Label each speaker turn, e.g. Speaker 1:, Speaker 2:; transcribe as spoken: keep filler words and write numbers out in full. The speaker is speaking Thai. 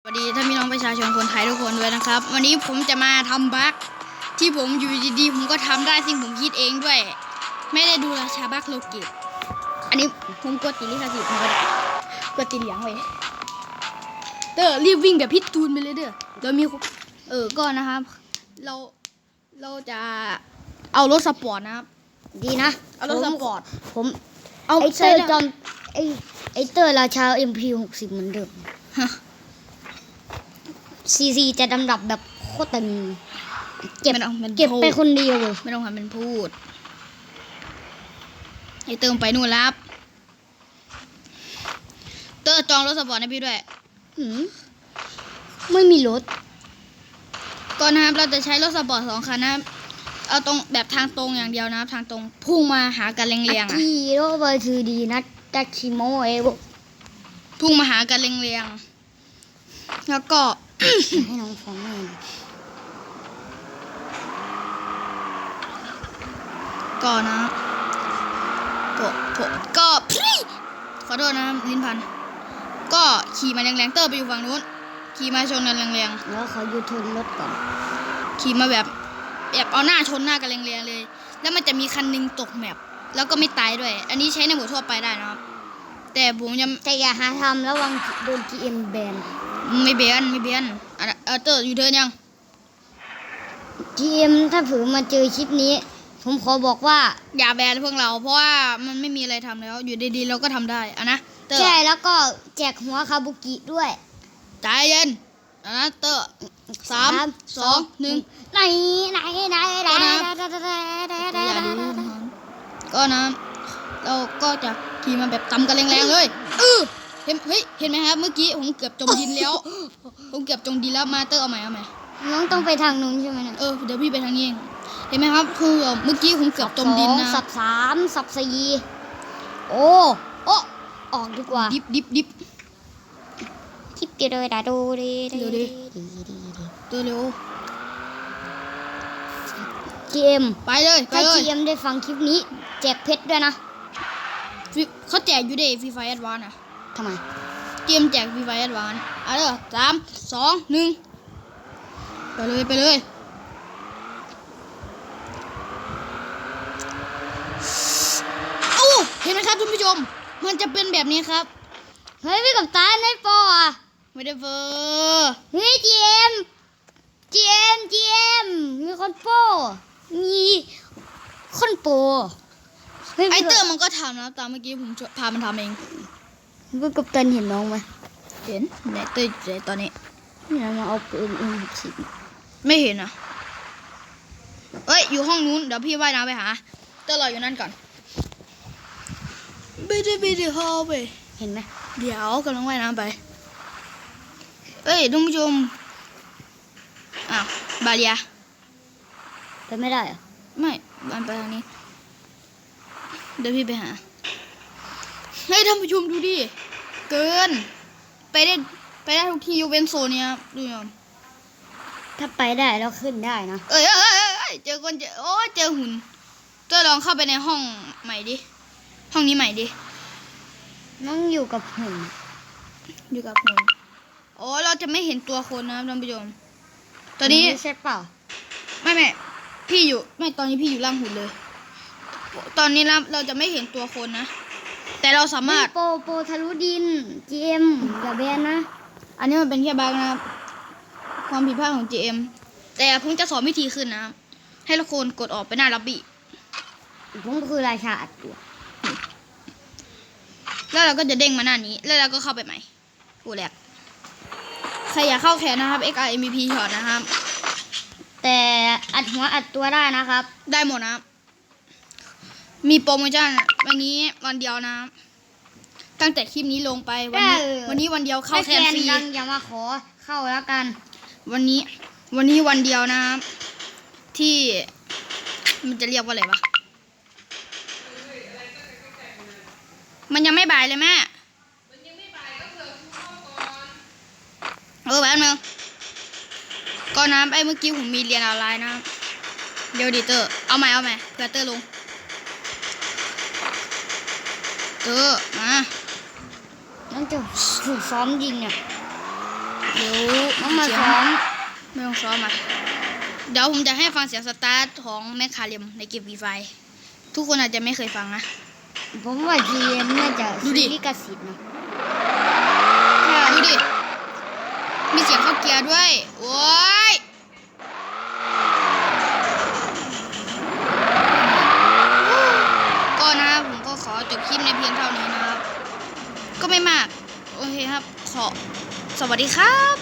Speaker 1: สวัสดีท่านพี่น้องประชาชนคนไทยทุกคนด้วยนะครับวันนี้ผมจะมาทำบั๊กที่ผมอยู่ดีๆผมก็ทำได้ซึ่งผมคิดเองด้วยไม่ได้ดูราชาบั๊กโลกิอันนี้ผมกดติดลิขสิทธิ์มาก็ติดเหลียงไว้เด้อรีบวิ่งแบบพิษตูนไปเลยเด้อเรามีเออก็นะครับเราเราจะเอารถสปอร์ตนะครับ
Speaker 2: ดีนะ
Speaker 1: เอารถสปอร์ต
Speaker 2: ผม
Speaker 1: เอา
Speaker 2: ไอเตอร์จอมไอไอเตอร์ราชา เอ็ม พี หกสิบเหมือนเดิมซีซีจะดำดับแบบโคตรตึงเก็บเก็บไปคนเดียวเลย
Speaker 1: ไม่ต้องทำเป็นพูดไอเติมไปนู่นแล้วเตอร์จองรถสปอร์ตให้พี่ด้วย
Speaker 2: หืมไม่มีรถ
Speaker 1: ก่อนนะครับเราจะใช้รถสปอร์ตสองคันนะครับเอาตรงแบบทางตรงอย่างเดียวนะครับทางตรงพุ่งมาหากันเรียงๆอ่ะ
Speaker 2: ที่โรเบอร์ทูดีนัทดัชิโมเอโบ
Speaker 1: พุ่งมาหากันเรียงๆแล้วก็
Speaker 2: ให้น้องฟังหน่อย
Speaker 1: ก็นะก็ก็พี่ขอโทษนะลิ้นพันก็ขี่มาแรงๆเตอร์ไปอยู่ฝั่งนู้นขี่มาชนกันแรง
Speaker 2: ๆแล้วเขายูทูนรถก่อน
Speaker 1: ขี่มาแบบแบบเอาหน้าชนหน้ากันแรงๆเลยแล้วมันจะมีคันนึงตกแมปแล้วก็ไม่ตายด้วยอันนี้ใช้ในหมู่ทั่วไปได้นะครับแต่ผมยัง
Speaker 2: แต่อย่าหาทำระวังโดน จี เอ็ม แบน
Speaker 1: ไม่เบียนไม่เบียนเออเตอร์อยู่เดินยัง
Speaker 2: จี เอ็ม ถ้าผือมาเจอคลิปนี้ผมขอบอกว่า
Speaker 1: อย่าแบนพวกเราเพราะว่ามันไม่มีอะไรทำแล้วอยู่ดีๆเราก็ทำได้อะนะ
Speaker 2: ใช่แล้วก็แจกหัวคาบุกิด้วย
Speaker 1: ใจเย็นอะนะเตอร์สามสองหนึ่ง
Speaker 2: ไหนไหนไหนไหน
Speaker 1: ก็นะเราก็จะขี่มาแบบตำกันแรงๆเลยเออเห็นเฮ้ยเห็นไหมครับเมื่อกี้ผมเกือบจมดินแล้วผมเกือบจมดินแล้วมาเตอร์เอาใหม่เอาใหม่
Speaker 2: น้องต้องไปทางนู้นใช่ไหมเนี่ย
Speaker 1: เออเดี๋ยวพี่ไปทางนี้เองเห็นไหมครับคือเมื่อกี้ผมเกือบจมดินนะ
Speaker 2: สับสามสับสี่โอ้โอ้ออกดีกว่า
Speaker 1: ดิบดิบดิบ
Speaker 2: ทิปเดียวเลยดาดูดี
Speaker 1: เร็วดิตัวเร็ว
Speaker 2: จี เอ็ม
Speaker 1: ไปเลยไปเลย
Speaker 2: ถ้า จี เอ็ม ได้ฟังคลิปนี้แจกเพชรด้วยนะ
Speaker 1: เขาแจกอยู่เดย์ฟรีไฟแอดวานซ์อ่ะ
Speaker 2: ทำไม
Speaker 1: เกมแจกฟรีไฟแอดวานซ์เอาเลยสามสองหนึ่งไปเลยไปเลยโอ้เห็นไหมครับท่านผู้ชมมันจะเป็นแบบนี้ครับ
Speaker 2: เฮ้ยพี่กับตาในปออ่ะ
Speaker 1: ไม่ได้เฟอร์
Speaker 2: เฮ้ย จี เอ็ม จี เอ็ม จี เอ็ม มีคนโปมีคนโป
Speaker 1: ไอเตอร์มันก็ทำนะตามเมื่อกี้ผมพามันทำเอง
Speaker 2: พี่กับตันเห็นน้องไหม
Speaker 1: เห็นไหนเตอร์ตอนนี้
Speaker 2: นี่มาเอาปืนเอ็มสิบ
Speaker 1: ไม่เห็นอ่ะเอ้ยอยู่ห้องนู้นเดี๋ยวพี่ว่ายน้ำไปหาเตอร์รออยู่นั่นก่อนไม่ได้ไม่ได้ฮอไป
Speaker 2: เห็นไหม
Speaker 1: เดี๋ยวกำลังว่ายน้ำไปเอ้ยท่านผู้ชมอ้าวบาเลีย
Speaker 2: ไปไม่ได้เหรอ
Speaker 1: ไม่บานไปทางนี้เดี๋ยวพี่ไปหาให้ท่านผู้ชมดูดิเกินไปได้ไปได้ทุกที่ยกเว้นโซนเนี้ยดูยอม
Speaker 2: ถ้าไปได้แล้วขึ้นได้นะ
Speaker 1: เอ้ยเอ้ยเอ้ยเจอคนเจอโอ้เจอหุ่นเตอร์ลองเข้าไปในห้องใหม่ดิห้องนี้ใหม่ดิ
Speaker 2: น้องอยู่กับหุ่น
Speaker 1: อยู่กับหุ่นโอ้เราจะไม่เห็นตัวคนนะท่านผู้ชมตอนนี้
Speaker 2: ใช่เปล่า
Speaker 1: ไม่ไม่พี่อยู่ไม่ตอนนี้พี่อยู่ล่างหุ่นเลยตอนนี้เราเราจะไม่เห็นตัวคนนะแต่เราสามารถ
Speaker 2: โปโปทะลุดิน จี เอ็ม อย่าแบนนะ
Speaker 1: อันนี้มันเป็นแค่บั๊กนะครับความผิดพลาดของ จี เอ็ม แต่ผมจะสอนวิธีขึ้นนะให้ทุกคนกดออกไปหน้าล็อบบี้
Speaker 2: ผมคือราชาอัดตัว
Speaker 1: แล้วเราก็จะเด้งมาหน้านี้แล้วเราก็เข้าไปใหม่กูแหลกใครอยากเข้าแขนนะครับ เอ็ก อาร์ เอ็ม วี พี ช็อตนะครับ
Speaker 2: แต่อัดหัวอัดตัวได้นะครับ
Speaker 1: ได้หมดนะมีโปรโมชั่นวันนี้วันเดียวนะตั้งแต่คลิปนี้ลงไปวันนี้วันนี้วันเดียวเข้าแคนฟรี
Speaker 2: อย่ามาขอเข้าแล้วกัน
Speaker 1: วันนี้วันนี้วันเดียวนะที่มันจะเรียกว่าอะไรวะมันยังไม่บ่ายเลยแม่เออแป๊บนึงก่อนน้ำไอ้เมื่อกี้ผมมีเรียนออนไลน์นะเดี๋ยวดิเตอร์เอาใหม่เอาใหม่เพื่อเตอร์ลงเตอร์มา
Speaker 2: นั่นจะถูกซ้อมยิงเนี่ย
Speaker 1: เดี๋ยว
Speaker 2: ต้องมา
Speaker 1: เสียง
Speaker 2: ซ้อม
Speaker 1: ไม่ต้องซ้อมอ่ะเดี๋ยวผมจะให้ฟังเสียงสตาร์ทของแมคคาเรมในเกมฟรีไฟทุกคนอาจจะไม่เคยฟังนะ
Speaker 2: ผมว่าจีเอ็มน่าจะ
Speaker 1: ดูดิ
Speaker 2: ซื้อลิขสิทธิ์นะ
Speaker 1: ดูดิ มีเสียงเข้าเกียร์ด้วย โอ้ย ก็นะครับผมก็ขอจบคลิปในเพียงเท่านี้นะครับ ก็ไม่มาก โอเคครับ ขอ สวัสดีครับ